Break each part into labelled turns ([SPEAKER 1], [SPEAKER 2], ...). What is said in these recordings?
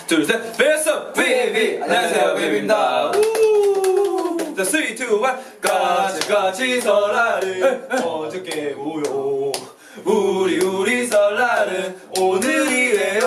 [SPEAKER 1] 둘, 셋. 베스트 VAB. 안녕하세요, VAB입니다. 자, 3, 2, 1. 까치까치 설날은 어저께 모여. 우리 설날은 오늘이래요.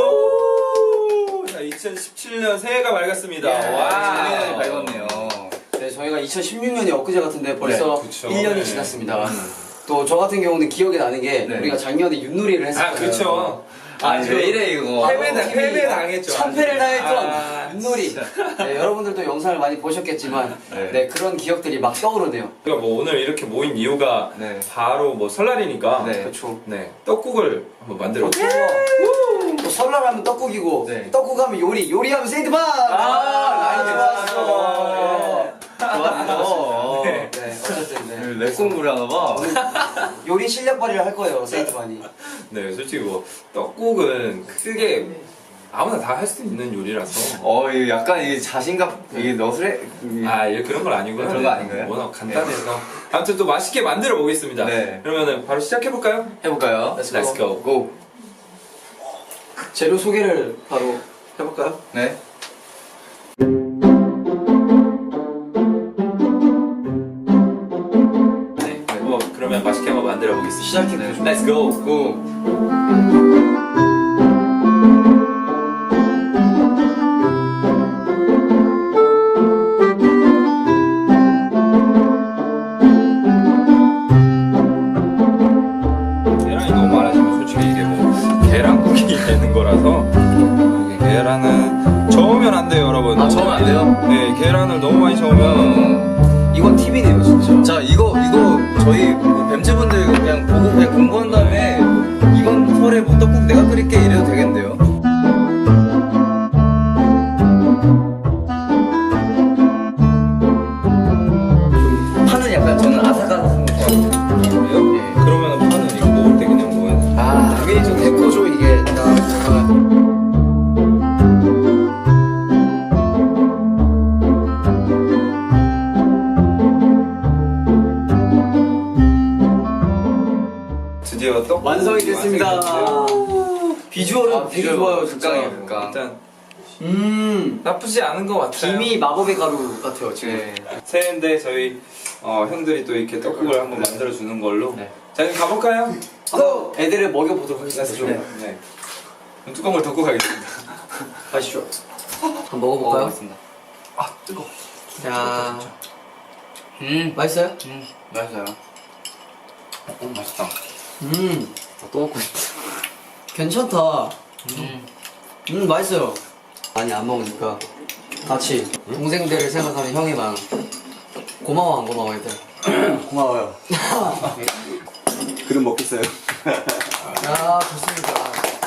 [SPEAKER 1] 자, 2017년 새해가 밝았습니다. 와,
[SPEAKER 2] 작년이 밝았네요.
[SPEAKER 3] 네, 저희가 2016년이 엊그제 같은데 벌써
[SPEAKER 1] 네, 그쵸.
[SPEAKER 3] 1년이
[SPEAKER 1] 네.
[SPEAKER 3] 지났습니다. 또 저 같은 경우는 기억이 나는 게
[SPEAKER 2] 네.
[SPEAKER 3] 우리가 작년에 윷놀이를 했었잖아요.
[SPEAKER 1] 그쵸.
[SPEAKER 2] 아니 왜 이래 이거?
[SPEAKER 1] 패배 당했죠.
[SPEAKER 3] 참패를 당했던
[SPEAKER 1] 아,
[SPEAKER 3] 윷놀이. 네, 여러분들도 영상을 많이 보셨겠지만
[SPEAKER 2] 네.
[SPEAKER 3] 네, 그런 기억들이 막 떠오르네요.
[SPEAKER 1] 우리가 뭐 오늘 이렇게 모인 이유가
[SPEAKER 2] 네.
[SPEAKER 1] 바로 뭐 설날이니까
[SPEAKER 2] 네.
[SPEAKER 3] 그렇죠.
[SPEAKER 1] 네, 떡국을 한번 만들어 볼게요.
[SPEAKER 3] 또 설날하면 떡국이고
[SPEAKER 2] 네.
[SPEAKER 3] 떡국하면 요리하면 세이드바. 라인 좋았어.
[SPEAKER 2] 좋았어.
[SPEAKER 3] 네, 어쨌든 네.
[SPEAKER 2] 랩 공부를 하나 봐.
[SPEAKER 3] 요리 실력 발휘를 할 거예요, 세이드반이.
[SPEAKER 1] 네, 솔직히 뭐 떡국은 크게 아무나 다 할 수 있는 요리라서.
[SPEAKER 2] 이거 약간 이게 자신감 이게 너스레.
[SPEAKER 1] 아, 그런 건 아니고요.
[SPEAKER 2] 그런 거 아닌가요?
[SPEAKER 1] 워낙 간단해서. 아무튼 또 맛있게 만들어 보겠습니다.
[SPEAKER 2] 네.
[SPEAKER 1] 그러면은 바로 시작해 볼까요?
[SPEAKER 2] 해볼까요?
[SPEAKER 1] Let's go.
[SPEAKER 2] 고.
[SPEAKER 3] 재료 소개를 바로 해볼까요?
[SPEAKER 2] 네.
[SPEAKER 1] 네. 그러면 맛있게 한번 만들어 보겠습니다.
[SPEAKER 3] 시작해
[SPEAKER 2] 네.
[SPEAKER 3] 보죠.
[SPEAKER 1] Let's go.
[SPEAKER 2] 고.
[SPEAKER 1] 계란이 너무 많아지면 솔직히 이게 뭐 계란국이 되는 거라서 이게 계란은 저으면 안 돼요, 여러분.
[SPEAKER 2] 아, 저으면 안 돼요?
[SPEAKER 1] 네, 계란을 너무 많이 저으면
[SPEAKER 3] 이건 팁이네요, 진짜.
[SPEAKER 2] 자 이거 저희 뱀즈분들 그냥 보고 그냥 공부한 다음에 이번 설에 뭐 떡국 내가 끓일게 이래도 되겠는데요? 파는 약간 저는 아삭아삭한 거 좋아해요.
[SPEAKER 1] 그래요?
[SPEAKER 2] 예.
[SPEAKER 1] 그러면 파는 이거 먹을 때 그냥 먹어야 돼.
[SPEAKER 3] 아, 당연히 좀 데코죠, 이게.
[SPEAKER 1] 드디어 떡
[SPEAKER 3] 완성이 됐습니다. 비주얼은 되게 좋아요, 진짜.
[SPEAKER 2] 극강이에요, 극강.
[SPEAKER 1] 일단 나쁘지 않은 것 같아요.
[SPEAKER 3] 김이 마법의 가루 같아요, 지금.
[SPEAKER 2] 네.
[SPEAKER 1] 새해인데 저희 형들이 또 이렇게 떡국을 한번 만들어 주는 걸로.
[SPEAKER 2] 네.
[SPEAKER 1] 자, 그럼 가볼까요?
[SPEAKER 3] 애들을 먹여보도록 하겠습니다.
[SPEAKER 1] 네. 네. 그럼 뚜껑을 덮고 가겠습니다.
[SPEAKER 3] 가시죠. 한번 먹어볼까요?
[SPEAKER 2] 먹어보겠습니다.
[SPEAKER 1] 아, 뜨거.
[SPEAKER 3] 자, 맛있어요?
[SPEAKER 2] 맛있어요. 맛있다.
[SPEAKER 3] 또 먹고 싶다. 괜찮다. 맛있어요. 많이 안 먹으니까 같이 동생들을 생각하는 형이 많아. 고마워, 안 고마워, 얘들?
[SPEAKER 4] 고마워요. 그럼 먹겠어요.
[SPEAKER 3] 야, 좋습니다.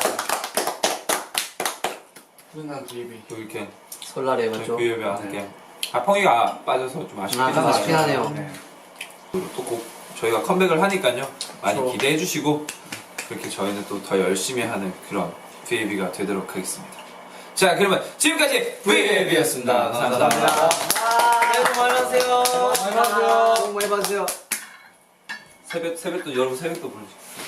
[SPEAKER 1] 또 이렇게
[SPEAKER 3] 설날에 맞죠?
[SPEAKER 1] 비벼면 함께. 아, 펑이가 빠져서 좀 아쉽긴
[SPEAKER 3] 아,
[SPEAKER 1] 하네요.
[SPEAKER 3] 아쉽긴 하네요.
[SPEAKER 1] 네. 또 꼭 저희가 컴백을 하니까요. 많이
[SPEAKER 3] 그렇죠.
[SPEAKER 1] 기대해 주시고 그렇게 저희는 또 더 열심히 하는 그런 VAB가 되도록 하겠습니다. 자, 그러면 지금까지 VAB였습니다. 감사합니다.
[SPEAKER 3] 새해 복 많이 받으세요.
[SPEAKER 1] 많이 받으세요.
[SPEAKER 3] 복 많이 받으세요.
[SPEAKER 1] 새벽도 여러분 새벽도 보내주세요.